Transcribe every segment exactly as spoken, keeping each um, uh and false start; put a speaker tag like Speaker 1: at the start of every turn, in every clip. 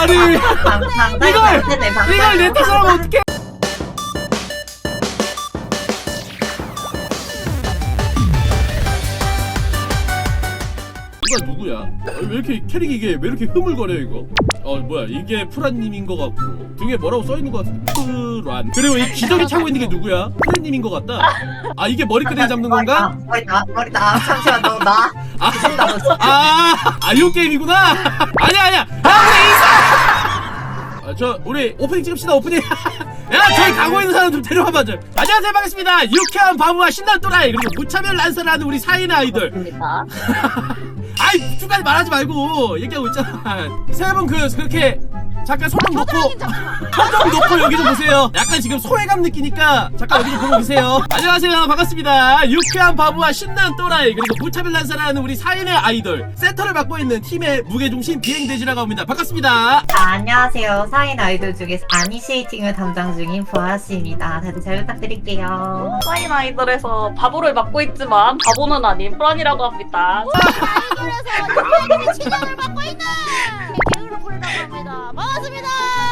Speaker 1: 아니 이걸 이걸 내 탓을 하면 어떡해? 이거 누구야? 왜 이렇게 캐릭이 이게 왜 이렇게 흐물거려 이거? 어 뭐야 이게 프란님인 것 같고 등에 뭐라고 써있는 것 같은데 프란. 그리고 이 기저귀 차고 있는 게 누구야? 프란님인 것 같다. 아 이게 머리끄댕이 잡는 건가?
Speaker 2: 머리다 머리다 잠시만 너 나.
Speaker 1: 아, 아, 아, 이런 게임이구나. 아니야, 아니야. 아, 우리 인사. 아, 저 우리 오프닝 찍읍시다. 오프닝. 야, 저희 가고 있는 사람 좀 데려와봐 좀. 안녕하세요, 반갑습니다. 유쾌한 바보와 신난 또라이 그리고 무차별 난사라는 우리 사인의 아이돌.
Speaker 2: 입니다.
Speaker 1: 아이, 중간에 말하지 말고 얘기하고 있잖아. 세 분 그 그렇게 잠깐 손 좀 놓고 손 좀 놓고 여기 좀 보세요. 약간 지금 소외감 느끼니까 잠깐 여기 좀 보고 계세요. 안녕하세요, 반갑습니다. 유쾌한 바보와 신난 또라이 그리고 무차별 난사라는 우리 사인의 아이돌 센터를 맡고 있는 팀의 무게중심 비행돼지라고 합니다. 반갑습니다.
Speaker 2: 아, 안녕하세요. 사인 아이돌 중에서 아니시에이팅을 담당 중인 보아씨입니다. 다들 잘 부탁드릴게요.
Speaker 3: 사인 아이돌에서 바보를 맡고 있지만 바보는 아닌 프란이라고 합니다.
Speaker 4: 아이돌에서 친형을 맡고 있는 개그로 부르라고 합니다. 반갑습니다.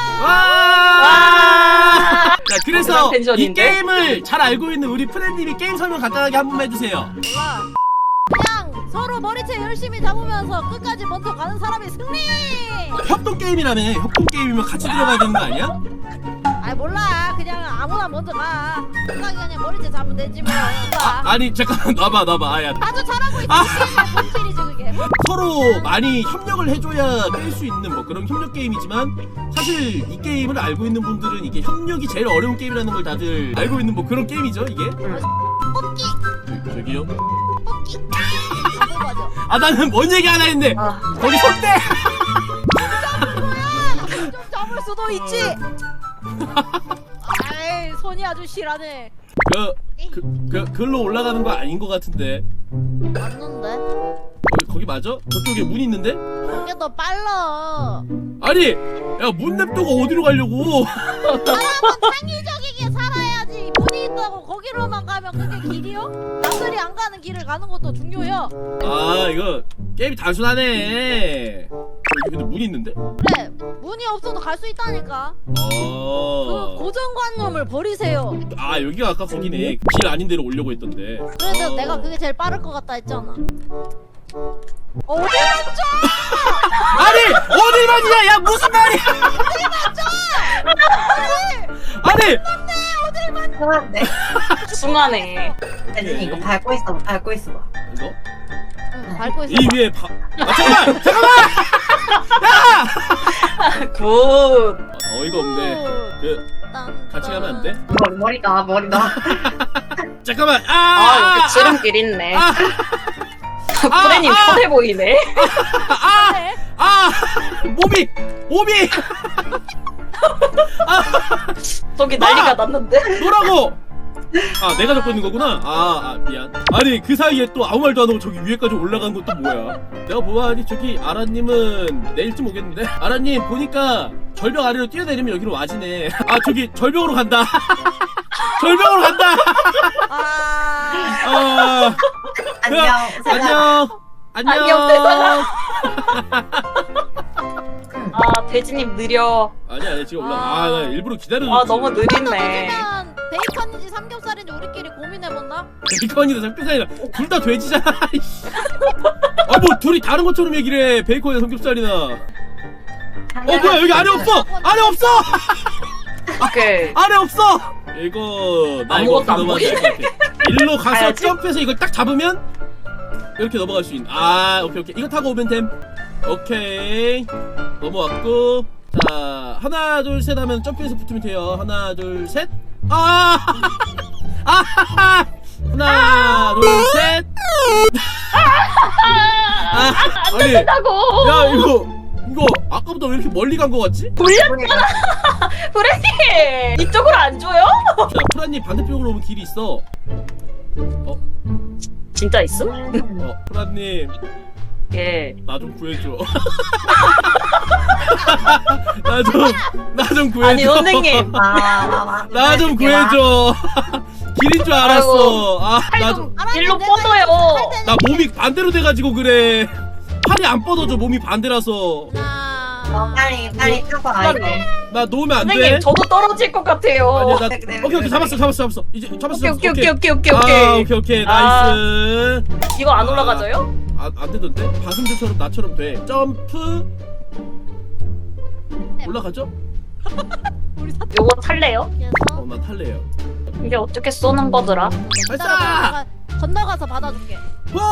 Speaker 1: 와! 자, 그래서 이
Speaker 3: 텐션인데?
Speaker 1: 게임을 잘 알고 있는 우리 프렌님이 게임 설명 간단하게 한 번만 해주세요.
Speaker 4: 몰라. 그냥 서로 머리채 열심히 잡으면서 끝까지 먼저 가는 사람이 승리.
Speaker 1: 협동 게임이라며. 협동 게임이면 같이 들어가야 되는 거 아니야?
Speaker 4: 아이 몰라. 그냥 아무나 먼저 가. 끝까지 그냥 머리채 잡으면 되지 뭐.
Speaker 1: 아, 아니 잠깐만 놔봐 놔봐. 아야.
Speaker 4: 아주 잘하고 있어.
Speaker 1: 아.
Speaker 4: 본질이지 그게.
Speaker 1: 서로 많이 협력을 해줘야 깰 수 있는 뭐 그런 협력 게임이지만 사실 이 게임을 알고 있는 분들은 이게 협력이 제일 어려운 게임이라는 걸 다들 알고 있는 뭐 그런 게임이죠 이게.
Speaker 4: 뽑기.
Speaker 1: 저, 저기요.
Speaker 4: 뽑기. 이거 맞아.
Speaker 1: 아 나는 뭔 얘기 하나 했는데
Speaker 2: 아,
Speaker 1: 거기 손대.
Speaker 4: 좀 잡을 수도 있지. 아이 손이 아주 실하네.
Speaker 1: 그, 그, 그, 글로 올라가는 거 아닌 것 같은데.
Speaker 4: 맞는데?
Speaker 1: 거기, 거기 맞아? 저쪽에 문 있는데?
Speaker 4: 그게 더 빨라.
Speaker 1: 아니! 야, 문 냅두고 어디로 가려고?
Speaker 4: 사람은 창의적이게 살아야지. 문이 있다고 거기로만 가면 그게 길이요? 남들이 안 가는 길을 가는 것도 중요해요.
Speaker 1: 아, 이거, 게임이 단순하네. 여기 근데 문이 있는데?
Speaker 4: 그래, 문이 없어도 갈 수 있다니까. 그
Speaker 1: 어.
Speaker 4: 고정관념을 버리세요.
Speaker 1: 아, 여기가 아까 거기네. 길 아닌 데로 오려고 했던데.
Speaker 4: 그래서
Speaker 1: 어.
Speaker 4: 내가 그게 제일 빠를 것 같다 했잖아. 어디 맞죠?
Speaker 1: 아니! 어딜 만지냐! 야, 무슨 말이야!
Speaker 4: 어디 맞죠?
Speaker 1: 아니!
Speaker 2: 그만데.
Speaker 3: 숭하네.
Speaker 2: 대진이 이거 밟고 있어. 밟고 있어 봐.
Speaker 1: 이거?
Speaker 4: 응, 밟고 있어.
Speaker 1: 이 위에 바... 아, 잠깐만! 잠깐만!
Speaker 3: 굿.
Speaker 1: 아, 어이가 없네. 그, 같이 가면 안 돼?
Speaker 2: 머리 머리다 머리다.
Speaker 1: 잠깐만! 아!
Speaker 3: 아, 여기 지름길 있네.
Speaker 1: 아!
Speaker 3: 프렌님
Speaker 1: 아, 아.
Speaker 3: 편해 보이네.
Speaker 1: 아!
Speaker 4: 네.
Speaker 1: 아! 몸이! 몸이!
Speaker 3: 저기 난리가
Speaker 1: 아!
Speaker 3: 났는데.
Speaker 1: 뭐라고! 아 내가 잡고 있는 거구나? 아, 아 미안. 아니 그 사이에 또 아무 말도 안 하고 저기 위에까지 올라간 건 또 뭐야? 내가 보아하니 저기 아라님은 내일쯤 오겠는데? 아라님 보니까 절벽 아래로 뛰어내리면 여기로 와지네. 아 저기 절벽으로 간다. 절벽으로 간다.
Speaker 4: 아,
Speaker 1: 아,
Speaker 2: 안녕. 세상.
Speaker 1: 안녕.
Speaker 3: 안녕, 세상아. 아, 돼지님 느려.
Speaker 1: 아니 아니 지금 올라. 아 나 일부러 기다려줬지.
Speaker 3: 아, 너무 느린네.
Speaker 4: 그러면 베이컨인지 삼겹살인지 우리끼리 고민해본다?
Speaker 1: 베이컨이다 삼겹살이다 둘 다 돼지잖아. 아 뭐 둘이 다른 것처럼 얘기를 해. 베이컨이나 삼겹살이나. 어 뭐야 여기 안에 없어. 안에 없어.
Speaker 3: 오케이.
Speaker 1: 안에 없어. 이거 나 이거
Speaker 3: 아무것도 안
Speaker 1: 넘어가야 될 것 같아. 일로 가서
Speaker 3: 가야지.
Speaker 1: 점프해서 이걸 딱 잡으면 이렇게 넘어갈 수 있는. 아 오케이 오케이 이거 타고 오면 됨. 오케이 넘어왔고 자 하나 둘 셋 하면 점프해서 붙으면 돼요. 하나 둘 셋. 아, 아, 하나 둘 셋. 아,
Speaker 3: 안
Speaker 1: 아니,
Speaker 3: 된다고.
Speaker 1: 야 이거 이거 아까보다 왜 이렇게 멀리 간 거 같지?
Speaker 3: 돌렸잖아. 프렌님 이쪽으로 안 줘요?
Speaker 1: 자 프라님 반대쪽으로 오면 길이 있어. 어,
Speaker 3: 진짜 있어?
Speaker 1: 어 프라님
Speaker 3: 예.
Speaker 1: 나 좀 구해줘. 나 좀 나 좀 구해줘.
Speaker 3: 아니 선생님.
Speaker 1: 나 좀 구해줘. 길인 줄 알았어. 아, 나 좀.
Speaker 3: 일로 뻗어요.
Speaker 1: 나 몸이 반대로 돼가지고 그래. 팔이 안 뻗어져. 몸이 반대라서.
Speaker 4: 하나,
Speaker 2: 어, 빨리 빨리 타고 와야 돼.
Speaker 1: 나 놓으면 안 돼.
Speaker 3: 선생님 저도 떨어질 것 같아요.
Speaker 1: 아니야 나
Speaker 2: 그래, 그래,
Speaker 1: 오케이 오케이
Speaker 2: 그래.
Speaker 1: 잡았어 잡았어 잡았어 이제 잡았어
Speaker 3: 오케이
Speaker 1: 잡았어
Speaker 3: 오케이 오케이 오케이 오케이
Speaker 1: 아
Speaker 3: 오케이.
Speaker 1: 오케이 오케이
Speaker 3: 아.
Speaker 1: 나이스.
Speaker 3: 이거 안
Speaker 1: 아.
Speaker 3: 올라가져요?
Speaker 1: 안, 안 되던데? 방금 전처럼 나처럼 돼. 점프 올라가죠?
Speaker 4: 우리 사
Speaker 3: 요거 탈래요?
Speaker 1: 어 나 탈래요.
Speaker 3: 이게 어떻게 쏘는 거더라?
Speaker 1: 발사!
Speaker 4: 건너가서 받아줄게.
Speaker 1: 헐!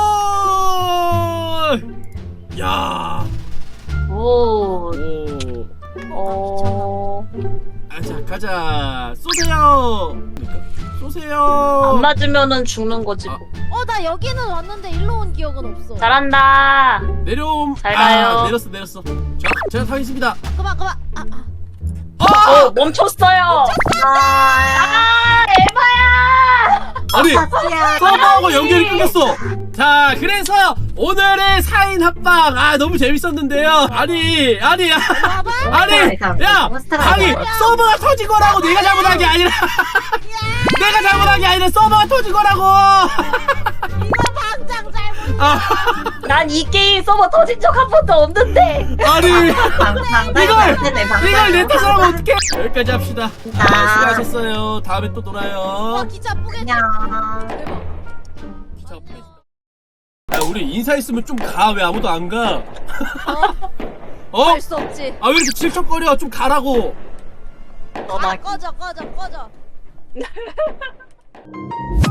Speaker 1: 야.
Speaker 3: 오.
Speaker 1: 오.
Speaker 3: 어.
Speaker 1: 아자 가자. 쏘세요. 그러니까 쏘세요.
Speaker 3: 안 맞으면은 죽는 거지.
Speaker 1: 아.
Speaker 3: 뭐.
Speaker 4: 어, 나 여기는 왔는데 일로 온 기억은 없어.
Speaker 3: 잘한다.
Speaker 1: 내려옴.
Speaker 3: 잘 가요.
Speaker 1: 아, 내렸어 내렸어. 자 제가 타겠습니다.
Speaker 4: 그만, 그만. 아, 아.
Speaker 3: 어 멈췄어요.
Speaker 2: 아,
Speaker 3: 아 에바야.
Speaker 1: 아니
Speaker 2: 야.
Speaker 1: 서버하고 연결이 끊겼어. 자 그래서 오늘의 사인 합방 아 너무 재밌었는데요. 아니 아니
Speaker 4: 봐봐.
Speaker 1: 아니 야 아니 서버가 터진 거라고 내가 잘못한 게 아니라 내가 잘못한 게 아니라 서버가 터진 거라고.
Speaker 4: 이거 당장 잘못.
Speaker 1: 아,
Speaker 3: 난 이 게임 서버 터진 적 한 번도 없는데.
Speaker 1: 아니
Speaker 2: 방방
Speaker 1: 이걸
Speaker 2: 방방
Speaker 1: 이걸 내 탓을 하면 어떡해. 여기까지 합시다. 아,
Speaker 2: 아.
Speaker 1: 수고하셨어요. 다음에 또
Speaker 4: 와,
Speaker 1: 놀아요.
Speaker 4: 기차 뿌겠다.
Speaker 2: 안녕.
Speaker 4: 대박.
Speaker 1: 기차 뿌겠습니다. 야 우리 인사했으면 좀 가. 왜 아무도 안 가?
Speaker 4: 어?
Speaker 1: 어?
Speaker 4: 할 수 없지.
Speaker 1: 아 왜 이렇게 질척거려. 좀 가라고.
Speaker 3: 어, 나
Speaker 4: 아, 꺼져, 꺼져, 꺼져.